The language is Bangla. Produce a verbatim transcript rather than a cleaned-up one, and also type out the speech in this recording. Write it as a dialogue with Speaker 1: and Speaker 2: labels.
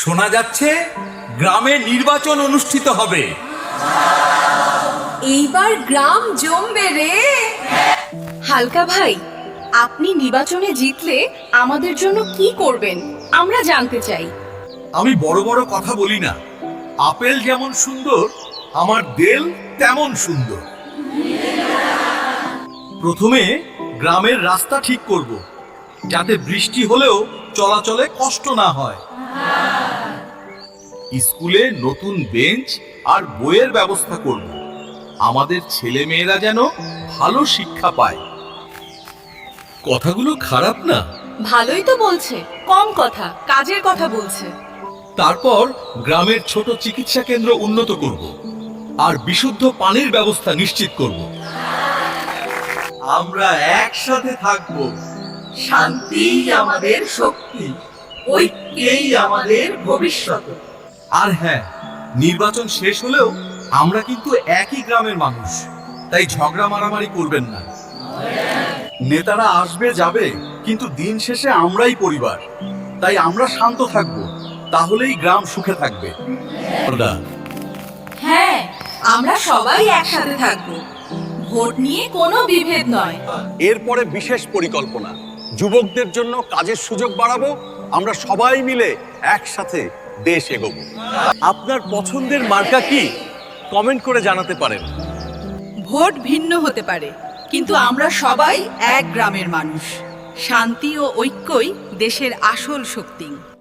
Speaker 1: শোনা যাচ্ছে গ্রামে নির্বাচন অনুষ্ঠিত হবে।
Speaker 2: এইবার গ্রাম জমবে রে। হালকা ভাই, আপনি নির্বাচনে জিতলে আমাদের জন্য কি করবেন আমরা জানতে চাই।
Speaker 1: আমি বড় বড় কথা বলি না, আপেল যেমন সুন্দর আমার দেল তেমন সুন্দর। প্রথমে গ্রামের রাস্তা ঠিক করব, যাতে বৃষ্টি হলেও চলাচলে কষ্ট না হয়। স্কুলে নতুন বেঞ্চ আর বইয়ের ব্যবস্থা করব, আমাদের ছেলে মেয়েরা যেন ভালো শিক্ষা পায়। কথাগুলো খারাপ না?
Speaker 2: ভালোই তো বলছে, কম কথা কাজের কথা বলছে।
Speaker 1: তারপর গ্রামের ছোট চিকিৎসা কেন্দ্র উন্নত করব আর বিশুদ্ধ পানির ব্যবস্থা নিশ্চিত করব। আমরা একসাথে থাকব, শান্তিই আমাদের শক্তি, ঐক্যই আমাদের ভবিষ্যৎ। আর হ্যাঁ, নির্বাচন শেষ হলেও আমরা কিন্তু একই গ্রামের মানুষ, তাই ঝগড়া মারামারি করবেন না। নেতারা আসবে যাবে, কিন্তু দিন শেষে আমরাই পরিবার, তাই আমরা শান্ত থাকব, তাহলেই গ্রাম সুখে থাকবে।
Speaker 2: হ্যাঁ, আমরা সবাই একসাথে থাকবো, ভোট নিয়ে কোনো বিভেদ নয়।
Speaker 3: এরপরে বিশেষ পরিকল্পনা, যুবকদের জন্য কাজের সুযোগ বাড়াবো। আমরা সবাই মিলে একসাথে দেশ এগোবো। আপনার পছন্দের মার্কা কি? কমেন্ট করে জানাতে পারেন।
Speaker 4: ভোট ভিন্ন হতে পারে, কিন্তু আমরা সবাই এক গ্রামের মানুষ। শান্তি ও ঐক্যই দেশের আসল শক্তি।